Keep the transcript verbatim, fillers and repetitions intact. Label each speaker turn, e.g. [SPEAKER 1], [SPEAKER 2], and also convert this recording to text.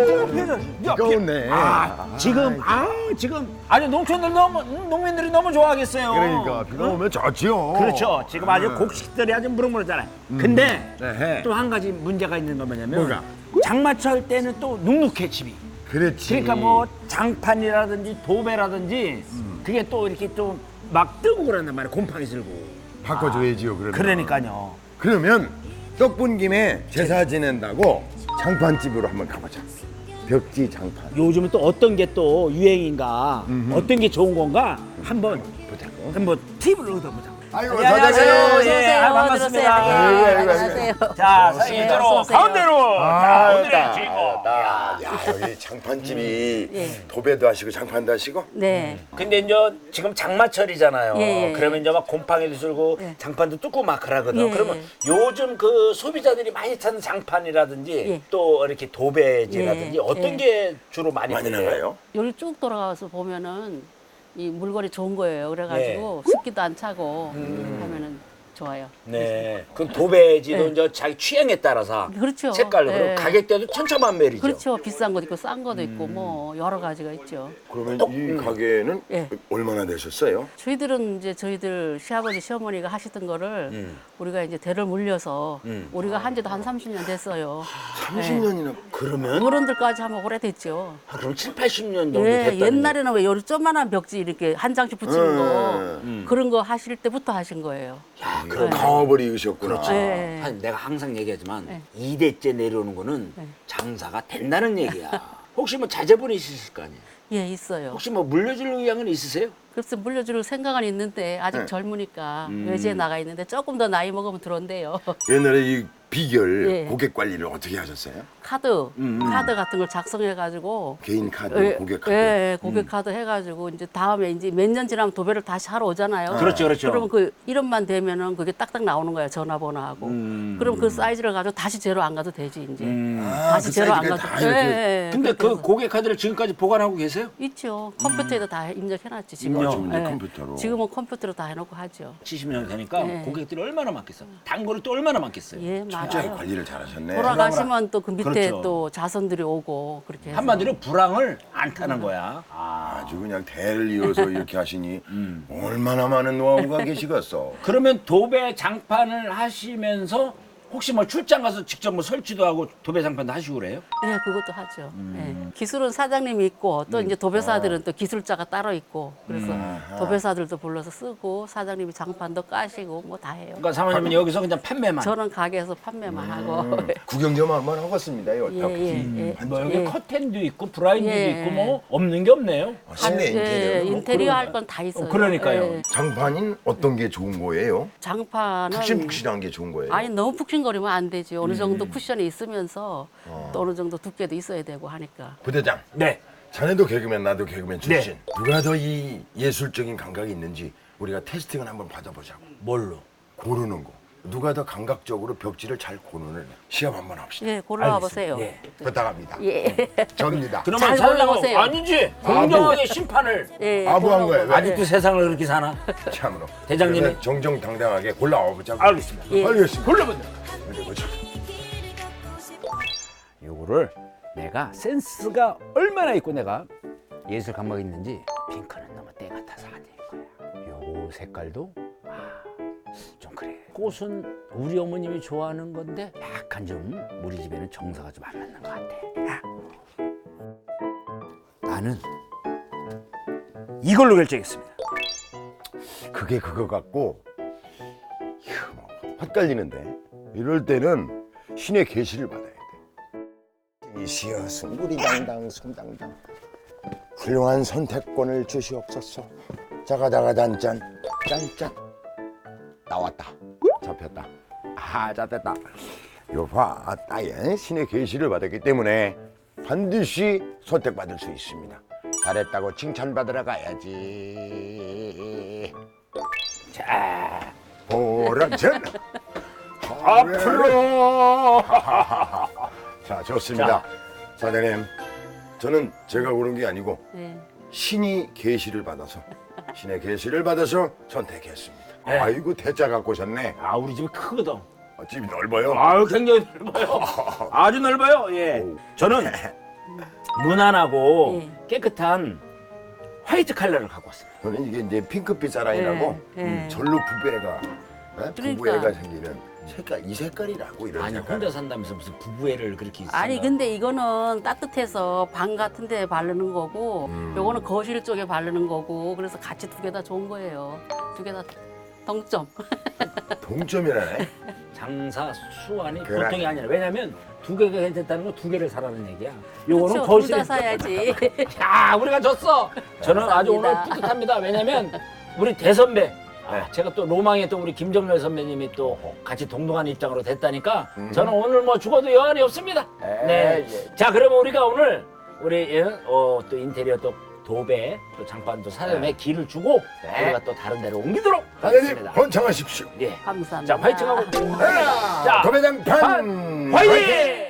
[SPEAKER 1] 비가 오네.
[SPEAKER 2] 아, 지금 아 지금 아주 농촌들 너무 음, 농민들이 너무 좋아하겠어요.
[SPEAKER 1] 그러니까 비가 오면 좋지요.
[SPEAKER 2] 그렇죠. 지금 아주 곡식들이 아주 무럭무럭잖아요. 근데
[SPEAKER 1] 네.
[SPEAKER 2] 또 한 가지 문제가 있는 건 뭐냐면
[SPEAKER 1] 뭐가?
[SPEAKER 2] 장마철 때는 또 눅눅해 집이.
[SPEAKER 1] 그렇지.
[SPEAKER 2] 그러니까 뭐 장판이라든지 도배라든지 그게 또 이렇게 또 막 뜨고 그런단 말이에요. 곰팡이 슬고.
[SPEAKER 1] 바꿔줘야지요. 그러면.
[SPEAKER 2] 그러니까요.
[SPEAKER 1] 그러면 떡분 김에 제사 지낸다고 장판집으로 한번 가보자. 벽지 장판.
[SPEAKER 2] 요즘은 또 어떤 게 또 유행인가, 어떤 게 좋은 건가 한번 보자고. 한번 팁을 얻어보자.
[SPEAKER 1] 아이고
[SPEAKER 2] 안녕하세요.
[SPEAKER 1] 사장님.
[SPEAKER 2] 예, 아, 반갑습니다.
[SPEAKER 1] 아이고, 아이고, 아이고.
[SPEAKER 3] 안녕하세요.
[SPEAKER 2] 자,
[SPEAKER 3] 예,
[SPEAKER 2] 이대로
[SPEAKER 3] 어서 오세요.
[SPEAKER 2] 가운데로. 자,
[SPEAKER 1] 아,
[SPEAKER 2] 오늘의
[SPEAKER 1] 딱,
[SPEAKER 2] 주인공.
[SPEAKER 1] 딱. 야, 여기 장판집이
[SPEAKER 3] 예.
[SPEAKER 1] 도배도 하시고 장판도 하시고.
[SPEAKER 3] 네.
[SPEAKER 2] 근데 이제 지금 장마철이잖아요.
[SPEAKER 3] 예, 예,
[SPEAKER 2] 그러면 이제 막 곰팡이도 슬고
[SPEAKER 3] 예.
[SPEAKER 2] 장판도 뜯고 막 그러거든.
[SPEAKER 3] 예,
[SPEAKER 2] 그러면
[SPEAKER 3] 예.
[SPEAKER 2] 요즘 그 소비자들이 많이 찾는 장판이라든지
[SPEAKER 3] 예.
[SPEAKER 2] 또 이렇게 도배지라든지
[SPEAKER 3] 예,
[SPEAKER 2] 어떤
[SPEAKER 3] 예.
[SPEAKER 2] 게 주로 많이
[SPEAKER 1] 많이
[SPEAKER 2] 팔려요?
[SPEAKER 1] 나가요?
[SPEAKER 3] 여기 쭉 돌아가서 보면은 이 물건이 좋은 거예요. 그래가지고 습기도 안 차고 하면은 좋아요.
[SPEAKER 2] 네. 그럼 도배지도
[SPEAKER 3] 예.
[SPEAKER 2] 이제 자기 취향에 따라서
[SPEAKER 3] 그렇죠.
[SPEAKER 2] 색깔로
[SPEAKER 3] 예.
[SPEAKER 2] 그리고 가격대도 천차만별이죠.
[SPEAKER 3] 그렇죠. 비싼 것도 있고 싼 것도 있고 뭐 여러 가지가 있죠.
[SPEAKER 1] 그러면 이 가게는
[SPEAKER 3] 예.
[SPEAKER 1] 얼마나 되셨어요?
[SPEAKER 3] 저희들은 이제 저희들 시아버지 시어머니가 하시던 거를
[SPEAKER 2] 음.
[SPEAKER 3] 우리가 이제 대를 물려서
[SPEAKER 2] 음.
[SPEAKER 3] 우리가 한 지도 한 삼십 년 됐어요.
[SPEAKER 1] 삼십 년이나.
[SPEAKER 2] 그러면
[SPEAKER 3] 어른들까지 하면 오래됐죠.
[SPEAKER 2] 아, 그럼 칠, 팔십 년 정도
[SPEAKER 3] 예,
[SPEAKER 2] 됐다는
[SPEAKER 3] 옛날에는 왜 요리 조그만한 벽지 이렇게 한 장씩 붙이는 거
[SPEAKER 1] 음.
[SPEAKER 3] 그런 거 하실 때부터 하신 거예요.
[SPEAKER 2] 야,
[SPEAKER 1] 그럼
[SPEAKER 3] 네.
[SPEAKER 1] 가업을 이으셨구나.
[SPEAKER 2] 그렇죠.
[SPEAKER 3] 네.
[SPEAKER 2] 사실 내가 항상 얘기하지만
[SPEAKER 3] 네.
[SPEAKER 2] 이 대째 내려오는 거는
[SPEAKER 3] 네.
[SPEAKER 2] 장사가 된다는 얘기야. 혹시 뭐 자제분이 있으실 거 아니에요?
[SPEAKER 3] 예, 있어요.
[SPEAKER 2] 혹시 뭐 물려줄 의향은 있으세요?
[SPEAKER 3] 그래서 물려줄 생각은 있는데 아직
[SPEAKER 1] 네.
[SPEAKER 3] 젊으니까 외지에 나가 있는데 조금 더 나이 먹으면 들어온대요.
[SPEAKER 1] 옛날에 이 비결
[SPEAKER 3] 예.
[SPEAKER 1] 고객 관리를 어떻게 하셨어요?
[SPEAKER 3] 카드, 카드 같은 걸 작성해가지고
[SPEAKER 1] 개인 카드,
[SPEAKER 3] 예,
[SPEAKER 1] 고객 카드.
[SPEAKER 3] 예, 예, 고객 카드 해가지고 이제 다음에 이제 몇 년 지나면 도배를 다시 하러 오잖아요.
[SPEAKER 2] 그렇죠, 그렇죠.
[SPEAKER 3] 그러면 그 이름만 되면은 그게 딱딱 나오는 거예요. 전화번호하고. 그럼 그 사이즈를 가지고 다시 제로 안 가도 되지 이제.
[SPEAKER 1] 아,
[SPEAKER 3] 다시
[SPEAKER 1] 그
[SPEAKER 3] 제로 안
[SPEAKER 1] 사이즈가
[SPEAKER 3] 가도.
[SPEAKER 1] 다 이렇게.
[SPEAKER 3] 예, 예,
[SPEAKER 2] 근데
[SPEAKER 3] 그렇게
[SPEAKER 2] 그
[SPEAKER 3] 해서.
[SPEAKER 2] 고객 카드를 지금까지 보관하고 계세요?
[SPEAKER 3] 있죠. 컴퓨터에다 다 입력해놨지 지금.
[SPEAKER 2] 입력.
[SPEAKER 1] 지금 이제 컴퓨터로.
[SPEAKER 3] 지금은 컴퓨터로 다 해놓고 하죠.
[SPEAKER 2] 칠십 년 되니까
[SPEAKER 3] 네.
[SPEAKER 2] 고객들이 얼마나 많겠어? 단골이 또 얼마나 많겠어요?
[SPEAKER 3] 예,
[SPEAKER 1] 철저히
[SPEAKER 3] 맞아요.
[SPEAKER 1] 관리를 잘하셨네.
[SPEAKER 3] 돌아가시면 또 그 밑에
[SPEAKER 2] 그렇죠.
[SPEAKER 3] 또 자손들이 오고 그렇게 해서.
[SPEAKER 2] 한마디로 불황을 안 타는 거야. 아.
[SPEAKER 1] 아주 그냥 대를 이어서 이렇게 하시니 얼마나 많은 노하우가 계시겠어.
[SPEAKER 2] 그러면 도배 장판을 하시면서 혹시 뭐 출장 가서 직접 뭐 설치도 하고 도배 장판도 하시고 그래요?
[SPEAKER 3] 네, 그것도 하죠. 예. 기술은 사장님이 있고 또 이제 도배사들은 또 기술자가 따로 있고 그래서 도배사들도 불러서 쓰고 사장님이 장판도 까시고 뭐 다 해요.
[SPEAKER 2] 그러니까 사모님은 여기서 그냥 판매만.
[SPEAKER 3] 저는 가게에서 판매만 하고.
[SPEAKER 1] 구경 좀 한번 하겠습니다. 요
[SPEAKER 3] 예, 예, 예.
[SPEAKER 2] 뭐 여기
[SPEAKER 3] 예.
[SPEAKER 2] 커튼도 있고 브라인드도
[SPEAKER 3] 예.
[SPEAKER 2] 있고 뭐 없는 게 없네요.
[SPEAKER 1] 실내
[SPEAKER 3] 예,
[SPEAKER 1] 인테리어. 뭐
[SPEAKER 3] 인테리어
[SPEAKER 1] 그런
[SPEAKER 3] 할 건 다 있어요.
[SPEAKER 2] 어, 그러니까요.
[SPEAKER 3] 예.
[SPEAKER 1] 장판인 어떤 게 좋은 거예요?
[SPEAKER 3] 장판은
[SPEAKER 1] 푹신푹신한 게 좋은 거예요.
[SPEAKER 3] 아니 너무 푹신거리면 안 되지. 어느 정도 쿠션이 있으면서 또 어느 정도 두께도 있어야 되고 하니까.
[SPEAKER 1] 부대장,
[SPEAKER 2] 네.
[SPEAKER 1] 자네도 개그맨, 나도 개그맨 출신.
[SPEAKER 2] 네.
[SPEAKER 1] 누가 더 이 예술적인 감각이 있는지 우리가 테스팅을 한번 받아보자고.
[SPEAKER 2] 뭘로?
[SPEAKER 1] 고르는 거. 누가 더 감각적으로 벽지를 잘 고르는 시합 한번 합시다.
[SPEAKER 3] 예, 골라와 보세요.
[SPEAKER 2] 예.
[SPEAKER 1] 부탁합니다.
[SPEAKER 3] 예.
[SPEAKER 1] 접니다.
[SPEAKER 2] 그러면
[SPEAKER 3] 잘
[SPEAKER 2] 사장님은
[SPEAKER 3] 골라보세요.
[SPEAKER 2] 아니지. 공정하게 심판을.
[SPEAKER 3] 예,
[SPEAKER 1] 아부한
[SPEAKER 3] 골라와
[SPEAKER 1] 거예요.
[SPEAKER 3] 보세요.
[SPEAKER 2] 아직도 세상을 그렇게 사나?
[SPEAKER 1] 참으로.
[SPEAKER 2] 대장님이?
[SPEAKER 1] 그래서 정정당당하게 골라와 보자고.
[SPEAKER 2] 알겠습니다.
[SPEAKER 3] 예.
[SPEAKER 1] 알겠습니다.
[SPEAKER 2] 골라보자.
[SPEAKER 1] 어디 보자.
[SPEAKER 2] 요거를 내가 센스가 얼마나 있고 내가 예술 감각이 있는지 핑크는 너무 때 같아서 안 될 거야. 요 색깔도 아, 좀 그래. 꽃은 우리 어머님이 좋아하는 건데 약간 좀 우리 집에는 정서가 좀 안 맞는 것 같아. 야. 나는 이걸로 결정했습니다.
[SPEAKER 1] 그게 그거 같고 이야, 뭐, 헛갈리는데 이럴 때는 신의 계시를 받아야 돼. 이시여 승구리당당 손당당 훌륭한 선택권을 주시옵소서. 자가자가단짠 짠짠 나왔다. 잡혔다. 아 잡혔다. 요봐 따에 신의 계시를 받았기 때문에 반드시 선택받을 수 있습니다. 잘했다고 칭찬받으러 가야지.
[SPEAKER 2] 자,
[SPEAKER 1] 보람전
[SPEAKER 2] 앞으로.
[SPEAKER 1] 자 좋습니다. 사장님 저는 제가 고른 게 아니고
[SPEAKER 3] 예.
[SPEAKER 1] 신이 계시를 받아서 신의 계시를 받아서 선택했습니다.
[SPEAKER 2] 네.
[SPEAKER 1] 아이고 대짜 갖고 오셨네.
[SPEAKER 2] 아, 우리 집이 크거든.
[SPEAKER 1] 어, 집이 넓어요.
[SPEAKER 2] 아유, 굉장히 넓어요. 아주 넓어요. 예.
[SPEAKER 1] 오.
[SPEAKER 2] 저는 무난하고
[SPEAKER 3] 예.
[SPEAKER 2] 깨끗한 화이트 컬러를 갖고 왔습니다.
[SPEAKER 1] 저는 이게 이제 핑크빛 사랑이라고
[SPEAKER 3] 예, 예.
[SPEAKER 1] 음, 절로 부부애가 예?
[SPEAKER 3] 그러니까.
[SPEAKER 1] 부부애가 생기는 색깔 이 색깔이라고 이런
[SPEAKER 2] 아니
[SPEAKER 1] 색깔.
[SPEAKER 2] 혼자 산다면서 무슨 부부애를 그렇게
[SPEAKER 3] 아니
[SPEAKER 2] 생각-
[SPEAKER 3] 근데 이거는 따뜻해서 방 같은 데 바르는 거고
[SPEAKER 1] 음.
[SPEAKER 3] 요거는 거실 쪽에 바르는 거고 그래서 같이 두 개 다 좋은 거예요. 두 개 다 동점.
[SPEAKER 1] 동점이라네.
[SPEAKER 2] 장사 수완이
[SPEAKER 1] 그래.
[SPEAKER 2] 보통이 아니라 왜냐면 두 개가 괜찮다는 건 두 개를 사라는 얘기야. 요거는
[SPEAKER 3] 그렇죠.
[SPEAKER 2] 거실에
[SPEAKER 3] 둘다 사야지.
[SPEAKER 2] 야 우리가 졌어. 저는 아주 오늘
[SPEAKER 3] 감사합니다.
[SPEAKER 2] 뿌듯합니다. 왜냐면 우리 대선배 아,
[SPEAKER 1] 네.
[SPEAKER 2] 제가 또 로망의 또 우리 김정렬 선배님이 또 같이 동등한 입장으로 됐다니까
[SPEAKER 1] 음.
[SPEAKER 2] 저는 오늘 뭐 죽어도 여한이 없습니다.
[SPEAKER 1] 에,
[SPEAKER 2] 네.
[SPEAKER 1] 예.
[SPEAKER 2] 자 그러면 우리가 오늘 우리 예, 어, 또 인테리어 또 도배 또 장판도 사장님의
[SPEAKER 1] 네.
[SPEAKER 2] 길을 주고
[SPEAKER 1] 네.
[SPEAKER 2] 우리가 또 다른 데로 옮기도록
[SPEAKER 1] 사장님
[SPEAKER 2] 하겠습니다.
[SPEAKER 1] 번창하십시오.
[SPEAKER 2] 예.
[SPEAKER 3] 감사합니다.
[SPEAKER 2] 자 화이팅하고
[SPEAKER 1] 자,
[SPEAKER 2] 자,
[SPEAKER 1] 도배장 판
[SPEAKER 2] 판 화이팅!